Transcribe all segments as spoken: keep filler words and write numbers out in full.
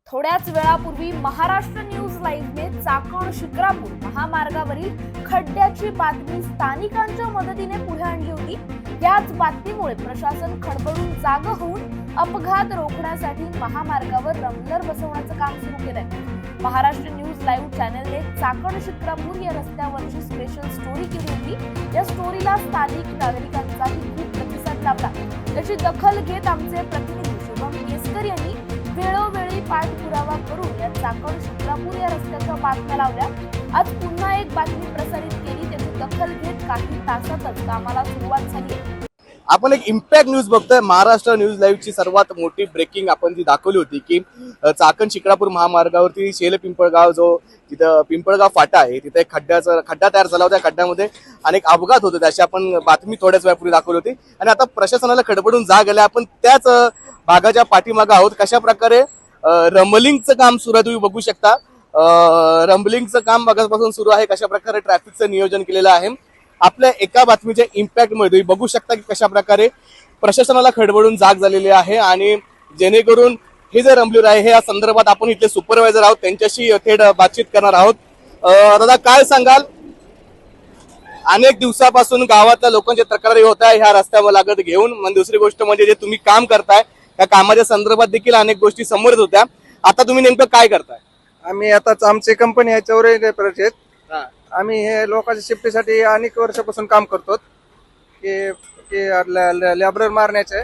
थोड्याच वेळापूर्वी महाराष्ट्र न्यूज लाईव्हने चाकण शिक्रापूर महामार्गावरील खड्ड्याची बातमी स्थानिकांच्या मदतीने पुढे आणली होती। याच बातमीमुळे प्रशासन खडबडून जाग होऊन अपघात रोखण्यासाठी महामार्गावर रंबलर बसवण्याचं काम सुरू केलंय। महाराष्ट्र न्यूज लाईव्ह चॅनलने चाकण शिक्रापूर या रस्त्यावरची स्पेशल स्टोरी केली होती। या स्टोरीला स्थानिक नागरिकांचाही खूप प्रतिसाद लाभला। त्याची दखल घेत आमचे प्रतिनिधी शुभम केसकर यांनी वेळोवेळी पाठपुरावा करून या चाकण शिक्रापूर या रस्त्याच्या बातम्या लावल्या। आज पुन्हा एक बातमी प्रसारित केली, त्याची दखल घेत काही तासातच कामाला सुरुवात झाली। आपण एक इम्पॅक्ट न्यूज बघतोय। महाराष्ट्र न्यूज लाईव्हची सर्वात मोठी ब्रेकिंग आपण जी दाखवली होती की चाकण शिक्रापूर महामार्गावरती शेल पिंपळगाव जो तिथं पिंपळगाव फाटा आहे तिथे एक खड्ड्याचा खड्डा तयार झाला होता। खड्ड्यामध्ये अनेक अपघात होते, त्याची आपण बातमी थोड्याच वेळापूर्वी दाखवली होती आणि आता प्रशासनाला खडबडून जाग आली। आपण त्याच भागाच्या पाठीमागे आहोत। कशा प्रकारे रंबलिंगचं काम सुरू आहे तुम्ही बघू शकता। रंबलिंगचं काम बघापासून सुरू आहे, कशा प्रकारे ट्रॅफिकचं नियोजन केलेलं आहे। आपल्या एका बातमीच्या इम्पॅक्ट मध्ये तुम्ही बघू शकता की कशा प्रकारे प्रशासनाला खडबडून जाग झालेली आहे आणि जेणेकरून हे जे रंबलिंग आहे हे या संदर्भात आपण इथले सुपरवायझर आहोत त्यांच्याशी थेट बातचीत करणार आहोत। दादा काय सांगाल, अनेक दिवसापासून गावातल्या लोकांच्या तक्रारी होत आहे ह्या रस्त्यावर लागत घेऊन, म्हणजे दुसरी गोष्ट म्हणजे जे तुम्ही काम करताय त्या कामाच्या संदर्भात देखील अनेक गोष्टी समोर येत होत्या, आता तुम्ही नेमकं काय करताय? आम्ही आताच आमची कंपनी आहे चौरे प्रोजेक्ट, आम्ही हे लोकांच्या सेफ्टीसाठी अनेक वर्षापासून काम करतो की लेबर मारण्याचे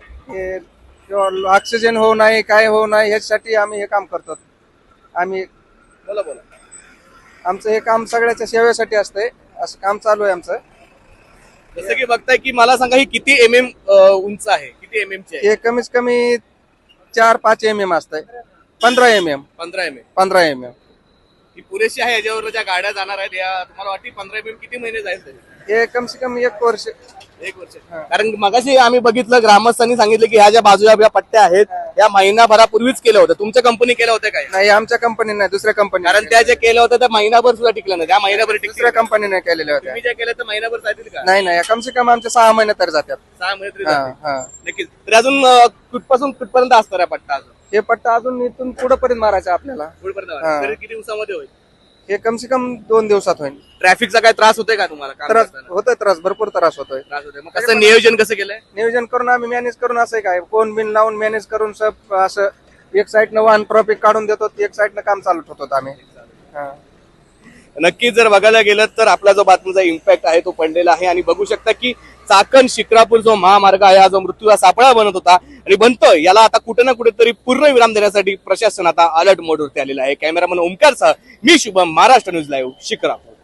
ऑक्सिजन होऊ नये काय होऊ नये ह्याच्यासाठी आम्ही हे काम करतो। आम्ही बोला बोला आमचं हे काम सगळ्याच्या सेवेसाठी असतंय, असं काम चालू आहे आमचं। जसं की बघताय की मला सांगा ही किती एम एम उंच आहे, किती एम एम ची आहे? हे कमीत कमी चार पाच एम एम असतंय, पंधरा एम एम पंधरा एम एम पंधरा एम एम ही पुरेशी आहे? याच्यावर ज्या गाड्या जाणार आहेत या तुम्हाला वाटते पंधरा एम एम किती महिने जाईल तरी? हे कम से कम एक वर्ष एक वर्ष। कारण मगाशी आम्ही बघितलं ग्रामस्थांनी सांगितलं की ह्या ज्या बाजूला ज्या पट्ट्या आहेत या महिनाभरापूर्वीच केल्या होत्या। तुमच्या कंपनी केल्या होत्या काय? नाही, आमच्या कंपनी नाही, दुसऱ्या कंपनी, कारण त्या ज्या केल्या होत्या त्या महिनाभर सुद्धा टिकल्या नाही, त्या महिनाभर दुसऱ्या टिकल्या। कंपनीने केलेल्या होत्या। तुम्ही ज्या केल्या तर महिनाभर जातील का? नाही नाही, कम से कम आमचे सहा महिने तर जातात। सहा महिने तरी हा जातील। हा नक्कीच। तर अजून अं, कुठपासून कुठपर्यंत असणार आहे पट्टा? अजून हे पट्टा अजून इथून पुढे पर्यंत मारायचा आपल्याला। कुठपर्यंत? हा. तरी किती दिवसामध्ये होईल? हे कम से कम दोन दिवसात होईल। ट्रॅफिकचा काय त्रास होतोय का तुम्हाला काम त्रास करताना? होतोय, त्रास भरपूर त्रास होतोय। त्रास होतोय, मग कसं नियोजन कसं केलंय? नियोजन करून आम्ही मॅनेज करून असं काय कोण बिन लावून मॅनेज करून सब असं एक साईडनं वाहन ट्रॉफिक काढून देतो, एक साईडनं काम चालू ठेवतो आम्ही। हा. नक्कीच जर बघायला गेलं तर आपला जो बातमीचा इम्पॅक्ट आहे तो पडलेला आहे आणि बघू शकता की चाकण शिक्रापूर जो महामार्ग आहे हा जो मृत्यूचा सापळा बनत होता आणि बनतोय, याला आता कुठे ना कुठेतरी पूर्ण विराम देण्यासाठी प्रशासन आता अलर्ट मोडवरती आलेला आहे। कॅमेरामन ओमकारसह मी शुभम, महाराष्ट्र न्यूज लाईव्ह शिक्रापूर।